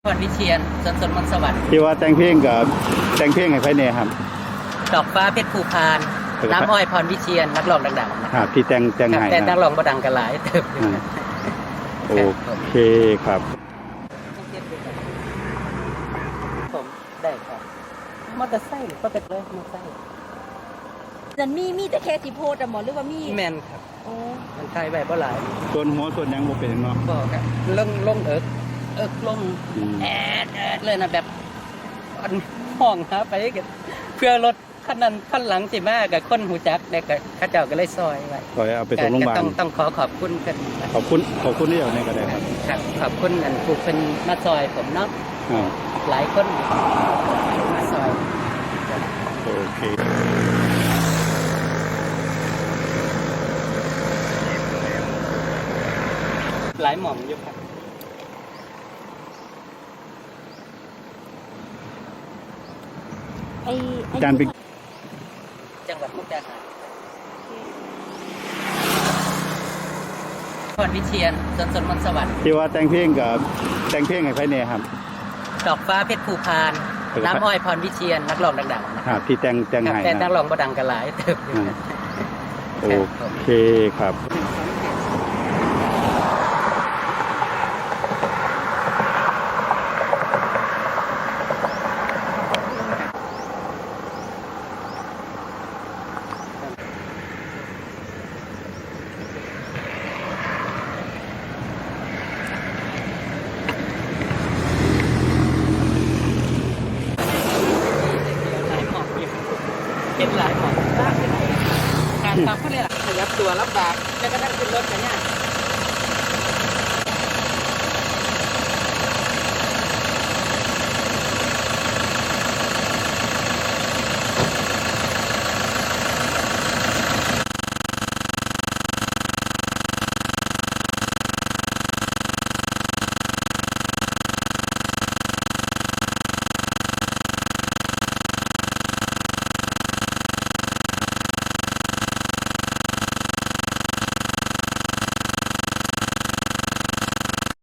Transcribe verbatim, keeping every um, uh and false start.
พรวิเชียรสนสนมนต์สวัสดิ์ที่ว่าแต่งเพลงกับแต่งเพลงให้ไผเนี่ยครับดอกฟ้าเพชรภูพานน้ำอ้อยพรวิเชียรนักร้องดังๆนะครับที่แต่งแต่งให้แต่นักร้องบ่ดังกันหลายเติบอยู่โอเคครับผมได้ครับมอเตอร์ไซค์ก็เป็นเลยมอเตอร์ไซค์นั่นมีมีแต่แค่ที่โพสต์อะหมอหรือว่ามีแมนครับโอ้มันไทยแบบบ่หลายส่วนหัวส่วนยังบ่เป็นเนาะก็ครับลงลงเอิกเอิกลงแอดแอดเลยนะแบบอันห้องหาไปเพื่อรถคันนั้นคันหลังสิมากับคนหูจักแล้วก็เขาเจ้าก็เลยซอยไว้ซอยเอาไปส่งโรงพยาบาลต้องต้องขอขอบคุณกันขอบคุณขอบคุณที่อยู่ในก็ได้ครับครับขอบคุณอันผู้เป็นมาซอยผมเนาะหลายคนมาซอยโอเคหลายหม่อมอยู่ครับไอ้ไอ้การเป็นจังหวัดมุกดาหารพรวิเชียรสนสนมนต์สวัสดิ์ที่ว่าแต่งเพลงกับแต่งเพลงให้ไผเนี่ยครับดอกฟ้าเพชรภูพานน้ำอ้อยพรวิเชียรนักร้องดังๆนะครับที่แต่งแต่งให้แต่นักร้องบ่ดังกันหลายเติบอยู่โอเคครับเห็นหลายหมอการทำเขาเลยล่ะขยับตัวลำบากแล้วก็นั่งขึ้นรถกันเนี่ย